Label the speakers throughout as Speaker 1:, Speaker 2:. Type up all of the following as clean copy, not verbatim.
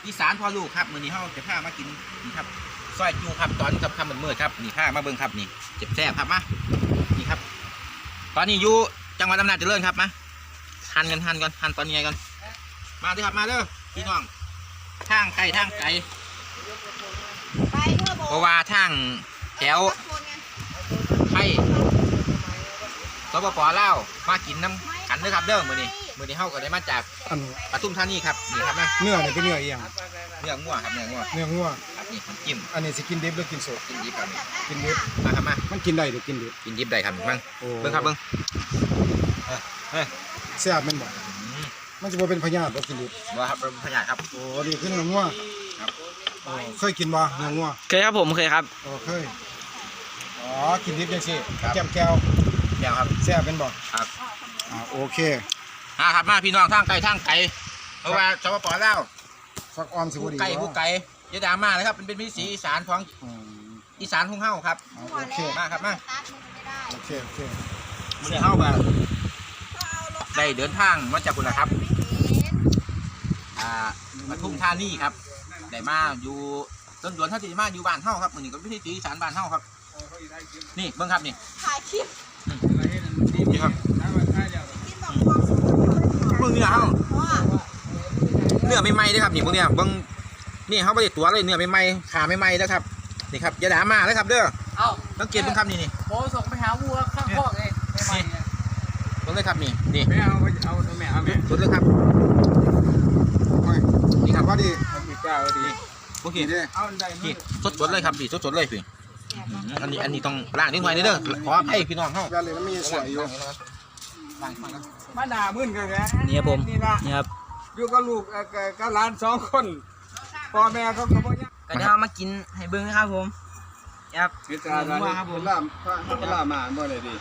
Speaker 1: อีสานพอลูกครับมื้อนี้เฮาจะพามากินนี่ครับซอยจูครับตอนค่ำมืดๆครับนี่พามาเบิ่งครับนี่เจ็บแซ่บครับมานี่ครับตอนนี้อยู่จังหวัดอำนาจเจริญครับมาหั่นก่อนหั่นตอนนี้ก่อนมาเด้อครับมาเด้อพี่น้องทางไกลเพราะว่าทางแถวไทยสปป.ลาวมากินน้ำกันเด้อครับเด้อมื้อนี้เฮาก็ได้มาจากปทุมธานีครับนี่ครับนะ
Speaker 2: เนื้อนี่เป็นเนื้ออีหยัง
Speaker 1: เนื้องัวครับเนื้องัว
Speaker 2: เนื้องัว
Speaker 1: ครับนี่มันจิ้ม
Speaker 2: อันนี้สิกินดิบหรือกินสด
Speaker 1: กินดิบครับ
Speaker 2: กินดิบ
Speaker 1: มาครับมา
Speaker 2: มันกินได้หรือกินดิบ
Speaker 1: กินดิบได้ครับมั่ง
Speaker 2: โอ้
Speaker 1: เบิ่งครับเบิ่งเฮ้ย
Speaker 2: แซ่บแม่นบ่มันจะบ่เป็นพยาธิบ่กินดิบ
Speaker 1: บ่ครับเป็นพยาธิครับ
Speaker 2: โอ้นี่คือเนื้องัว
Speaker 1: ครับ
Speaker 2: โอ้เคยกินบ่เนื้องัว
Speaker 3: เคยครับผมเคยครับ
Speaker 2: โอ้เคยอ๋อกินดิบจังซี่แก้มแก้ว
Speaker 1: แก้วครับ
Speaker 2: แซ่บแม่นบ่
Speaker 1: ครับ
Speaker 2: โอเค
Speaker 1: ครับมาพี่น้องทางไกลเพราะว่าสปป.ลาว
Speaker 2: ฟักออมสิบ่ดี
Speaker 1: ผู้ไกลอย่าดราม่านะครับเป็นวิถีอีสานของ
Speaker 2: อืม
Speaker 1: อีสานของเฮาครับ
Speaker 2: โอเค
Speaker 1: มาครับมา
Speaker 2: โอเค
Speaker 1: มื้อนี้เฮาก็ได้เดินทางมาจากพุ่นล่ะครับปทุมธานีครับได้มาอยู่ต้นดวนเฮาสิมาอยู่บ้านเฮาครับมื้อนี้ก็วิถีอีสานบ้านเฮาครับนี่เบิ่งครับนี่
Speaker 4: ถ่ายคลิป
Speaker 1: นี่ครับ
Speaker 4: ที่บอกความสุข
Speaker 1: เบิ่งนี่ล่ะเฮา
Speaker 4: ว่า
Speaker 1: เนื้อใหม่ๆเด้อครับนี่พวกเนี้ยเบิ่งนี่เขาไม่ได้ตัวเลยเนื้อใหม่ๆขาใหม่ๆนะครับนี่ครับอย่าด่ามาเลยครับเด้อ
Speaker 3: เอ้า
Speaker 1: ต้องเก็บเบิ่งครับนี่
Speaker 3: โอ้ส่งไปหาวัวข้างคอกเองไม่ไหวเนี่ย
Speaker 1: เบิ่งเลยครับนี่
Speaker 3: ไม่เอาแม่เอาแม่
Speaker 1: สุดเลยครับ
Speaker 2: นี่ครับว่าดี
Speaker 3: มีเจ้าดี
Speaker 1: โอเค
Speaker 2: นี่เด้
Speaker 3: เอาได้
Speaker 1: นี่สดๆเลยครับพี่สดๆเลยพี่อันนี้ต้องล้างนิดหน่อยเด้อขอให้พี่น้องเฮา
Speaker 2: แว่นเลยมันมีสวยอยู่
Speaker 1: ล้างก่อนนะ
Speaker 3: มาด่ามึนกันแก
Speaker 5: นี่ครับผม
Speaker 3: นี่ละ
Speaker 5: นี่ครับ
Speaker 3: อยู่กับลูกกับหลาน2 คนพ่อแม่เขาก็บ่ยัง
Speaker 5: ก็จะเอามากินให้เบิ้งนะครับผมครับ
Speaker 3: พิจารณาครับผมล่ามาบ่ได้ดี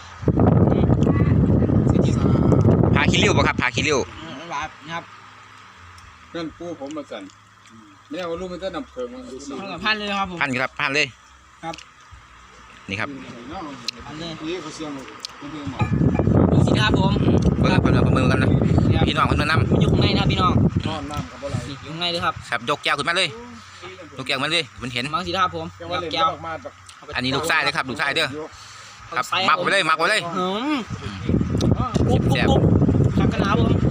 Speaker 1: พาขี้ริ้วบ่ครับพาขี้ริ้ว
Speaker 5: แบบนะครับ
Speaker 3: เพื่อนปู่ผมมาสั่นแม่ว่าลูกมันจะนำเพิงมันดูสิ
Speaker 5: เท่ากับพันเลยครับผม
Speaker 1: พันครับพันเลย
Speaker 5: ครับ
Speaker 1: นี่ครับ
Speaker 5: พันเลย
Speaker 3: นี่เขาเสียงมันเป็นหมอ
Speaker 5: ดูสิครับผม
Speaker 1: เบิ่งครับเบิ่งมือกันนะพี่น้องเพิ่นมานำ
Speaker 5: อยู่ข้างในนะครับพี่น้อง
Speaker 3: นอนน้ำกับบ่ไหล
Speaker 5: นี่อยู่ข้างในเลยครับ
Speaker 1: ครับยกแก้วขึ้นมาเลยยกแก้วมาเลยมันเห็น
Speaker 5: มังสิครับผม
Speaker 3: แกว่าเล่น
Speaker 5: แก้ว
Speaker 3: ออกมาแบบ
Speaker 1: อันนี้ลูกชายเลยครับลูกชายเด้อครับ
Speaker 5: ใส่
Speaker 1: หมักไว้เลยหมักไว้เลย
Speaker 5: กรุบกรุบกรุบขับกันนะครับผม